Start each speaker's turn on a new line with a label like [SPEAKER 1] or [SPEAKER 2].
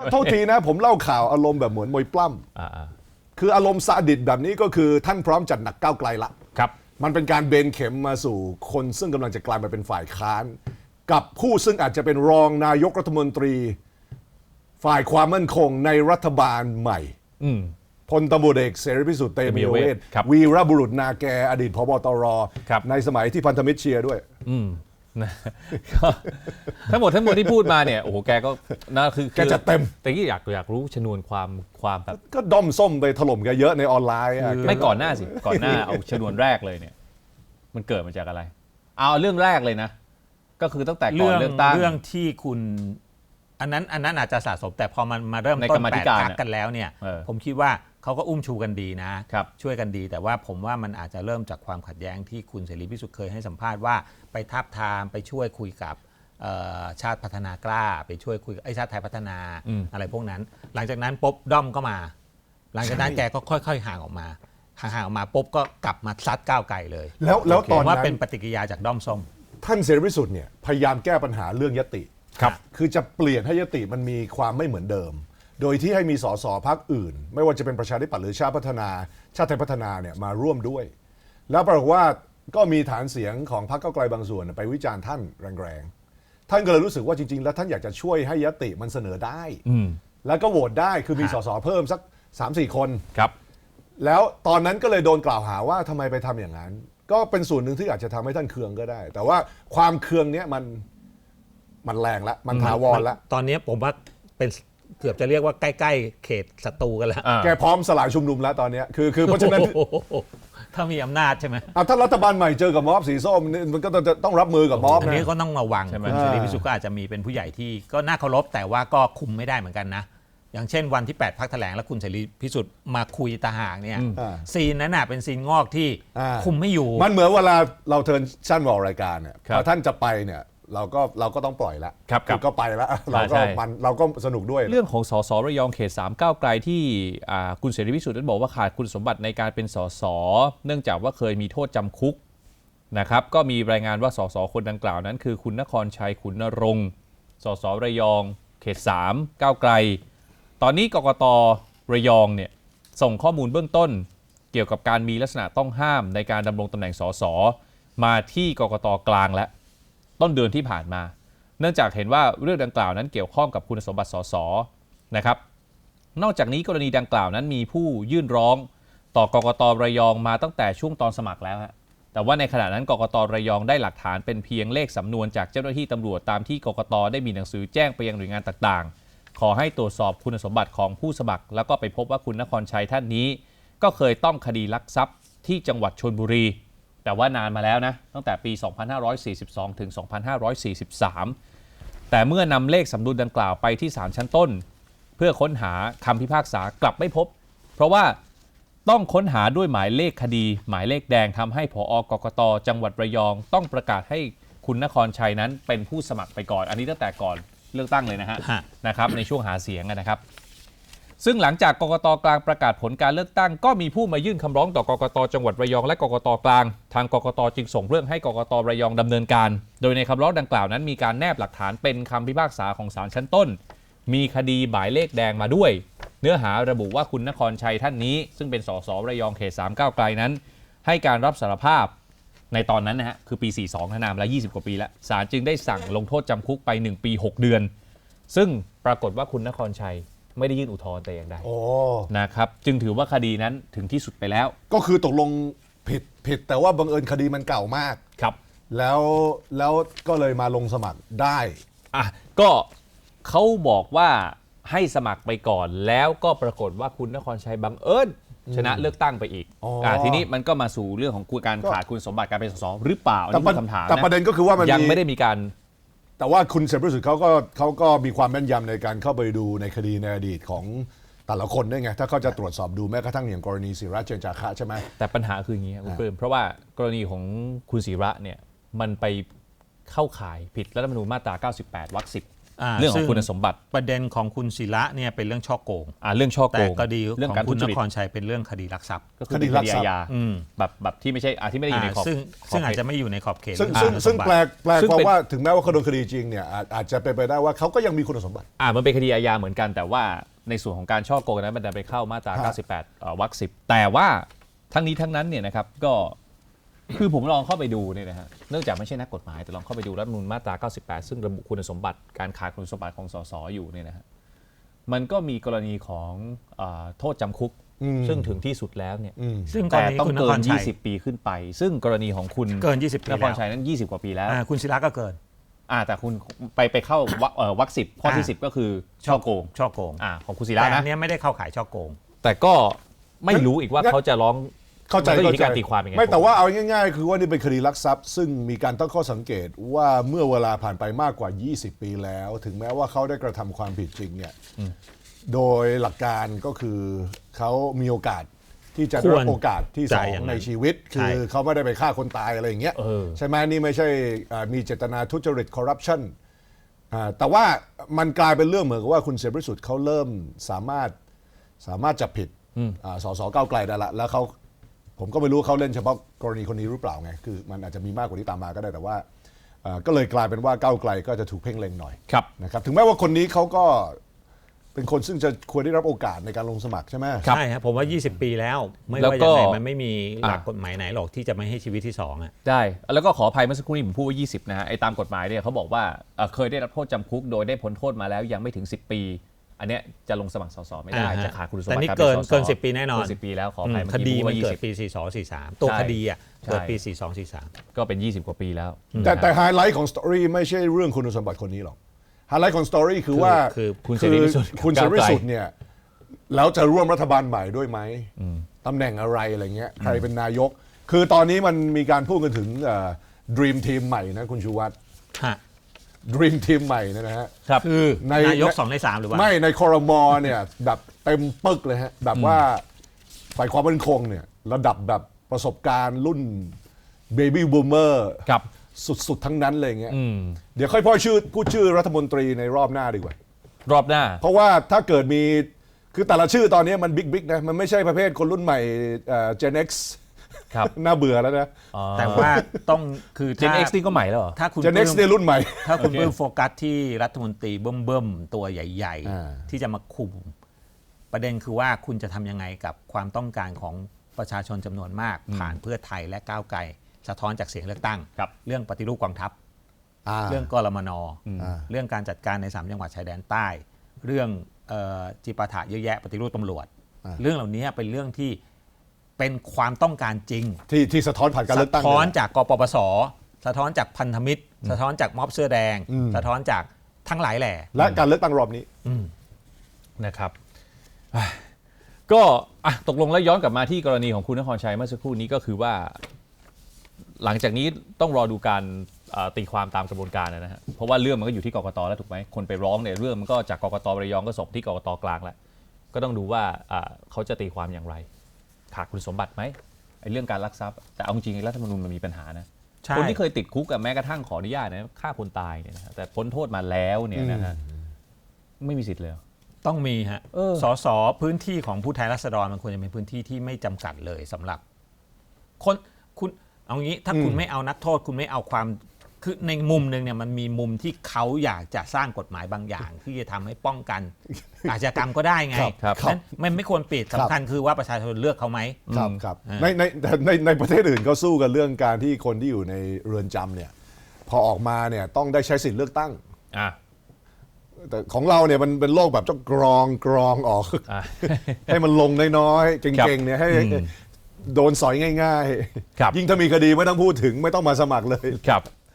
[SPEAKER 1] โทษทีนะผมเล่าข่าวอารมณ์แบบเหมือนมวยปล้ำคืออารมณ์ซาดิสแบบนี้ก็คือท่านพร้อมจัดหนักก้าวไกลละ
[SPEAKER 2] ครับ
[SPEAKER 1] มันเป็นการเบนเข็มมาสู่คนซึ่งกำลังจะกลายมาเป็นฝ่ายค้านกับผู้ซึ่งอาจจะเป็นรองนายกรัฐมนตรีฝ่ายความมั่นคงในรัฐบาลใหม่พลตำรวจเอกเสรีพิสุทธิ์เตมียเวทวีรบุรุษนาแกอดีตผบ.ตร.ในสมัยที่พันธมิตรเชียร์ด้วย
[SPEAKER 2] ทั้งหมดที่พูดมาเนี่ยโอ้โหแกก็น่าคือ
[SPEAKER 1] แกจะเต็ม
[SPEAKER 2] แต่ที่อยากรู้ชนวนความแบบ
[SPEAKER 1] ก็ด้อมส้มไปถล่มแกเยอะในออนไลน์
[SPEAKER 2] ไม่ก่อนหน้าสิก่อนหน้าเอาชนวนแรกเลยเนี่ยมันเกิดมาจากอะไรเอาเรื่องแรกเลยนะก็คือตั้งแต่ก่อนเลือกตั้ง
[SPEAKER 3] เรื่องที่คุณอันนั้นอาจจะสะสมแต่พอมันมาเริ่มต้น8 พรรคกันแล้วเนี่ยผมคิดว่าเขาก็อุ้มชูกันดีนะช่วยกันดีแต่ว่าผมว่ามันอาจจะเริ่มจากความขัดแย้งที่คุณเสรีพิสุทธิ์เคยให้สัมภาษณ์ว่าไปทาบทามไปช่วยคุยกับชาติพัฒนากล้าไปช่วยคุยกับชาติไทยพัฒนาอะไรพวกนั้นหลังจากนั้นปุ๊บด้อมก็มาหลังจากนั้นแกก็ค่อยๆห่างออกมาปุ๊บก็กลับมาซัดก้าวไกลเลย
[SPEAKER 1] แล้วตอนนั้น
[SPEAKER 3] ว่าเป็นปฏิกิริยาจากด้อมส้ม
[SPEAKER 1] ท่านเสรีพิสุทธิ์เนี่ยพยายามแก้ปัญหาเรื่องยติคือจะเปลี่ยนให้ยติมันมีความไม่เหมือนเดิมโดยที่ให้มีสสพรรคอื่นไม่ว่าจะเป็นประชาธิปัตย์หรือชาติไทยพัฒนาเนี่ยมาร่วมด้วยแล้วปรากฏว่าก็มีฐานเสียงของพรรคก้าวไกลบางส่วนไปวิจารณ์ท่านแรงๆท่านก็เลยรู้สึกว่าจริงๆแล้วท่านอยากจะช่วยให้ยติมันเสนอได้แล้วก็โหวตได้คือมีสสเพิ่มสัก 3-4 คน
[SPEAKER 2] ครับ
[SPEAKER 1] แล้วตอนนั้นก็เลยโดนกล่าวหาว่าทำไมไปทำอย่างนั้นก็เป็นส่วนหนึ่งที่อาจจะทำให้ท่านเคืองก็ได้แต่ว่าความเคืองเนี้ยมันแรงแล้วมันถาวรแล้ว
[SPEAKER 3] ตอนนี้ผมว่าเป็นเกือบจะเรียกว่าใกล้ๆเขตศัตรูกันแล้ว
[SPEAKER 1] แกพร้อมสลายชุมนุมแล้วตอนนี้คือเพราะฉะนั้น
[SPEAKER 3] ถ้ามีอำนาจใช่ไหม
[SPEAKER 1] ถ้ารัฐบาลใหม่เจอกับม็อบสีส้มมันก็ต้องรับมือกับม็อบ
[SPEAKER 3] อันนี้ก็ต้องระวังคุณเสรีพิสุทธิ์ก็อาจจะมีเป็นผู้ใหญ่ที่ก็น่าเคารพแต่ว่าก็คุมไม่ได้เหมือนกันนะอย่างเช่นวันที่8 พรรคแถลงแล้วคุณเสรีพิสุทธิ์มาคุยตาห่างเนี่ยซีนนั้นเป็นซีนงอกที่คุมไม่อยู่
[SPEAKER 1] มันเหมือนเวลาเราเทิร์นชั่นวอลรายการเนี่ยพอท่านจะไปเนี่ยเราก็ต้องปล่อยแล้วก็ไปแล้วเราก็สนุกด้วย
[SPEAKER 2] เรื่องของสสระยองเขต3ก้าวไกลที่คุณเสรีพิสุทธิ์นั้นบอกว่าขาดคุณสมบัติในการเป็นสสเนื่องจากว่าเคยมีโทษจำคุกนะครับก็มีรายงานว่าสสคนดังกล่าวนั้นคือคุณนครชัยขุนนรงค์สสระยองเขต3ก้าวไกลตอนนี้กกต.ระยองเนี่ยส่งข้อมูลเบื้องต้นเกี่ยวกับการมีลักษณะต้องห้ามในการดำรงตำแหน่งสสมาที่กกต.กลางและต้นเดือนที่ผ่านมาเนื่องจากเห็นว่าเรื่องดังกล่าวนั้นเกี่ยวข้องกับคุณสมบัติสสนะครับนอกจากนี้กรณีดังกล่าวนั้นมีผู้ยื่นร้องต่อกกต.ระยองมาตั้งแต่ช่วงตอนสมัครแล้วฮะแต่ว่าในขณะนั้นกกต.ระยองได้หลักฐานเป็นเพียงเลขสำนวนจากเจ้าหน้าที่ตำรวจตามที่กกต.ได้มีหนังสือแจ้งไปยังหน่วยงานต่างๆขอให้ตรวจสอบคุณสมบัติของผู้สมัครแล้วก็ไปพบว่าคุณนครชัยท่านนี้ก็เคยต้องคดีลักทรัพย์ที่จังหวัดชลบุรีแต่ว่านานมาแล้วนะตั้งแต่ปี 2542 ถึง 2543 แต่เมื่อนำเลขสำนวนดังกล่าวไปที่ศาลชั้นต้นเพื่อค้นหาคำพิพากษากลับไม่พบเพราะว่าต้องค้นหาด้วยหมายเลขคดีหมายเลขแดงทำให้ผอกกต.จังหวัดระยองต้องประกาศให้คุณนครชัยนั้นเป็นผู้สมัครไปก่อนอันนี้ตั้งแต่ก่อนเลือกตั้งเลยนะครับในช่วงหาเสียงนะครับซึ่งหลังจากกกต.กลางประกาศผลการเลือกตั้งก็มีผู้มายื่นคำร้องต่อกกต.จังหวัดระยองและกกต.กลางทางกกต.จึงส่งเรื่องให้กกต.ระยองดำเนินการโดยในคำร้องดังกล่าวนั้นมีการแนบหลักฐานเป็นคำพิพากษาของศาลชั้นต้นมีคดีหมายเลขแดงมาด้วยเนื้อหาระบุว่าคุณนครชัยท่านนี้ซึ่งเป็นสสระยองเขต3ก้าวไกลนั้นให้การรับสารภาพในตอนนั้นนะฮะคือปี 42นานมาแล้ว20 กว่าปีแล้วศาลจึงได้สั่งลงโทษจำคุกไป1 ปี 6 เดือนซึ่งปรากฏว่าคุณนครชัยไม่ได้ยื่นอุทธรณ์แต่อย่างใดนะครับจึงถือว่าคดีนั้นถึงที่สุดไปแล้ว
[SPEAKER 1] ก็คือตกลงผิดแต่ว่าบังเอิญคดีมันเก่ามาก
[SPEAKER 2] ครับ
[SPEAKER 1] แล้วก็เลยมาลงสมัครได้
[SPEAKER 2] ก็เขาบอกว่าให้สมัครไปก่อนแล้วก็ปรากฏว่าคุณนครชัยบังเอิญชนะเลือกตั้งไปอีกทีนี้มันก็มาสู่เรื่องของการขาดคุณสมบัติการเป็นสสหรือเปล่า
[SPEAKER 1] นี่
[SPEAKER 2] เป็นคำถาม
[SPEAKER 1] แต่ประเด็นก็คือว่ามัน
[SPEAKER 2] ยังไม่ได้มีการ
[SPEAKER 1] แต่ว่าคุณเสรีพิสุทธิ์เขาก็มีความแม่นยำในการเข้าไปดูในคดีในอดีตของแต่ละคนด้วยไงถ้าเขาจะตรวจสอบดูแม้กระทั่งอย่างกรณีศิระเจนจาคะใช่ไหม
[SPEAKER 2] แต่ปัญหาคืออย่างนี้คุณเพิ่มเพราะว่ากรณีของคุณศิระเนี่ยมันไปเข้าข่ายผิดรัฐธรรมนูญมาตรา 98 วรรค 10 เรื่องของคุณสมบัติ
[SPEAKER 3] ประเด็นของคุณศิระเนี่ยเป็นเรื่องช่อโกง
[SPEAKER 2] เรื่องช่อโกง
[SPEAKER 3] แต่คดี
[SPEAKER 2] เรื่อง
[SPEAKER 3] ของ
[SPEAKER 2] การ
[SPEAKER 3] คุณ
[SPEAKER 2] ทุ
[SPEAKER 3] น
[SPEAKER 2] จริต
[SPEAKER 3] ครชัยเป็นเรื่องคดีลักทรัพย์
[SPEAKER 2] ก็คือคดีอาญา
[SPEAKER 3] อืม
[SPEAKER 2] แบบที่ไม่ใช่ที่ไม่ได้อยู่ในขอบ
[SPEAKER 3] ซึ่งอาจจะไม่อยู่ในขอบเขต
[SPEAKER 1] ซึ่งแปล
[SPEAKER 2] ซึ่ง
[SPEAKER 1] ความ
[SPEAKER 2] เป็น
[SPEAKER 1] ว่าถึงแม้ว่าเขาโดนคดีจริงเนี่ยอาจจะเป็นไปได้ว่าเขาก็ยังมีคุณสมบัติ
[SPEAKER 2] มันเป็นคดีอาญาเหมือนกันแต่ว่าในส่วนของการช่อโกงนั้นมันดันไปเข้ามาตรา 98 วรรค 10แต่ว่าทั้งนี้ทั้งนั้นเนี่ยนะครับก็คือผมลองเข้าไปดูเนี่ยนะฮะเนื่องจากไม่ใช่นักกฎหมายแต่ลองเข้าไปดูรัฐธรรมนูญมาตรา 98 ซึ่งระบุคุณสมบัติการขาดคุณสมบัติของสสอยู่เนี่ยนะฮะมันก็มีกรณีของโทษจำคุกซึ่งถึงที่สุดแล้วเนี่ย
[SPEAKER 3] ซึ่งกร
[SPEAKER 2] แต่
[SPEAKER 3] ณี
[SPEAKER 2] ต้อง
[SPEAKER 3] คุณน
[SPEAKER 2] เกิ
[SPEAKER 3] คร
[SPEAKER 2] น
[SPEAKER 3] ชัย
[SPEAKER 2] 20 ปีขึ้นไป ซึ่งกรณีของคุณ
[SPEAKER 3] เกิน20 ปี
[SPEAKER 2] น
[SPEAKER 3] แล้ว
[SPEAKER 2] ครชัยนั้น 20 กว่าปีแล้ว
[SPEAKER 3] คุณศิระก็เกิน
[SPEAKER 2] แต่คุณไปเข้าวรรค 10 ข้อที่ 10 ก็คือช่อโกง
[SPEAKER 3] ช่อโกง
[SPEAKER 2] ของคุณศิระ
[SPEAKER 3] แต่อั
[SPEAKER 2] นะ
[SPEAKER 3] นเนี้ยไม่ได้เข้าข่ายช่อโกง
[SPEAKER 2] แต่ก็ไม่รู้อีกว่าเขาจะร้อง
[SPEAKER 1] เข้าใจ
[SPEAKER 2] มันก็อยู่ที่การตีความยังไง
[SPEAKER 1] ไม่แต่ว่าเอาง่ายๆ คือว่านี่เป็นคดีลักทรัพย์ ซึ่งมีการตั้งข้อสังเกตว่าเมื่อเวลาผ่านไปมากกว่า 20 ปีแล้ว ถึงแม้ว่าเขาได้กระทำความผิดจริงเนี่ยโดยหลักการก็คือเขามีโอกาสที่จะได้รับโอกาสที่สองในชีวิต คือเขาไม่ได้ไปฆ่าคนตายอะไรอย่างเงี้ยใช่ไหมนี่ไม่ใช่มีเจตนาทุจริตคอร์รัปชันแต่ว่ามันกลายเป็นเรื่องเหมือนกับว่าคุณเสรีพิสุทธิ์เขาเริ่มสามารถจับผิดสสก้าวไกลได้ละแล้วผมก็ไม่รู้เขาเล่นเฉพาะกรณีคนนี้หรือเปล่าไงคือมันอาจจะมีมากกว่านี้ตามมาก็ได้แต่ว่าก็เลยกลายเป็นว่าก้าวไกลก็จะถูกเพ่งเล็งหน่อยนะครับถึงแม้ว่าคนนี้เขาก็เป็นคนซึ่งจะควรได้รับโอกาสในการลงสมัครใช่ไหม
[SPEAKER 3] ใช่ครับผมว่า 20 ปีแล้วไม่ว่ายังไงมันไม่มีหลักกฎหมายไหนหรอกที่จะไม่ให้ชีวิตที่2
[SPEAKER 2] ได้แล้วก็ขออภัยเมื่อสักครู่นี้ผมพูดว่า20นะฮะไอ้ตามกฎหมายเนี่ยเขาบอกว่าเคยได้รับโทษจำคุกโดยได้พ้นโทษมาแล้วยังไม่ถึง10 ปีอันเนี้ยจะลงสมัครสสไม่ได้จะขาดคุณสมบัติ
[SPEAKER 3] แต่นี่เกิน10 ปีแน่นอน
[SPEAKER 2] 10 ปีแล้วขออภัย
[SPEAKER 3] คดีมันเกิดปี 42 43 ตัวคดีเกิดปี 42 43
[SPEAKER 2] ก็เป็น20 กว่าปีแล้ว
[SPEAKER 1] แต่ไฮไลท์ของสตอรี่ไม่ใช่เรื่องคุณสมบัติคนนี้หรอกไฮไลท์ของสตอรี่คือว่า
[SPEAKER 2] คุณเสรีพิสุทธิ์
[SPEAKER 1] เนี่ยแล้วจะร่วมรัฐบาลใหม่ด้วยไหมตำแหน่งอะไรอะไรเงี้ยใครเป็นนายกคือตอนนี้มันมีการพูดกันถึงDream Team ใหม่นะคุณชูวัฒน์Dream Team ใหม่นะฮะ
[SPEAKER 3] คือนายก2 ใน 3หรือว่า
[SPEAKER 1] ไม่ในครม.เนี่ยแบบเต็มปึกเลยฮะแบบว่าฝ่ายความมั่นคงเนี่ยระดับแบบประสบการณ์รุ่น Baby Boomer สุดๆทั้งนั้นเลยเงี้ยเดี๋ยวค่อยพูดชื่อรัฐมนตรีในรอบหน้าดีกว่าร
[SPEAKER 2] อบหน้า
[SPEAKER 1] เพราะว่าถ้าเกิดมีคือแต่ละชื่อตอนนี้มันบิ๊กนะมันไม่ใช่ประเภทคนรุ่นใหม่Gen X น่าเบื่อแล้วนะ
[SPEAKER 3] แต่ว่าต้องคือ
[SPEAKER 2] Gen X นี่ก็ใหม่แล้วเหรอ
[SPEAKER 3] ถ้าคุณ
[SPEAKER 1] Gen X เนี่ยรุ่นใหม่
[SPEAKER 3] ถ้าคุณเพิ่มโฟกัสที่รัฐมนตรีเบิ่มๆตัวใหญ่ๆที่จะมาคุมประเด็นคือว่าคุณจะทำยังไงกับความต้องการของประชาชนจำนวนมากผ่านเพื่อไทยและก้าวไกลสะท้อนจากเสียงเลือกตั้งเรื่องปฏิรูปกองทัพเรื่องกรมน.เรื่องการจัดการใน3จังหวัดชายแดนใต้เรื่องจิปาถะเยอะแยะปฏิรูปตำรวจเรื่องเหล่านี้เป็นเรื่องที่เป็นความต้องการจริง
[SPEAKER 1] ที่สะท้อนผ่านการเลือกตั้ง
[SPEAKER 3] สะท้อนจากกปปส.สะท้อนจากพันธมิตรสะท้อนจากม็อบเสื้อแดงสะท้อนจากทั้งหลายแหล่
[SPEAKER 1] และการเลือกตั้งรอบนี้
[SPEAKER 2] นะครับก็ตกลงแล้วย้อนกลับมาที่กรณีของคุณนครชัยเมื่อสักครู่นี้ก็คือว่าหลังจากนี้ต้องรอดูการตีความตามกระบวนการนะฮะเพราะว่าเรื่องมันก็อยู่ที่กกต.แล้วถูกไหมคนไปร้องเนี่ยเรื่องมันก็จากกกต.ระยองก็ส่งที่กกต.กลางแล้วก็ต้องดูว่าเขาจะตีความอย่างไรขาดคุณสมบัติไหมไอ้เรื่องการลักทรัพย์แต่เอาจริงๆรัฐธรรมนูญมันมีปัญหานะคนที่เคยติดคุกกับแม้กระทั่งขออนุญาตนะฆ่าคนตายเนี่ยนะแต่พ้นโทษมาแล้วเนี่ยนะฮะไม่มีสิทธิ์เลย
[SPEAKER 3] ต้องมีฮะสสพื้นที่ของผู้แทนราษฎรมันควรจะเป็นพื้นที่ที่ไม่จำกัดเลยสำหรับคนคุณเอางี้ถ้าคุณไม่เอานักโทษคุณไม่เอาความคือในมุมหนึ่งเนี่ยมันมีมุมที่เขาอยากจะสร้างกฎหมายบางอย่างที่จะทำให้ป้องกันอาชญากรรมก็ได้ไงนั้นไม่ควรปิดสำคัญคือว่าประชาชนเลือกเขาไหม
[SPEAKER 1] ครับในประเทศอื่นก็สู้กันเรื่องการที่คนที่อยู่ในเรือนจำเนี่ยพอออกมาเนี่ยต้องได้ใช้สิทธิ์เลือกตั้งแต่ของเราเนี่ยมันเป็นโลกแบบต้องกรองออกให้มันลงน้อยๆเก่งๆเนี่ยให้โดนสอยง่ายๆยิ่งถ้ามีคดีไม่ต้องพูดถึงไม่ต้องมาสมัครเลย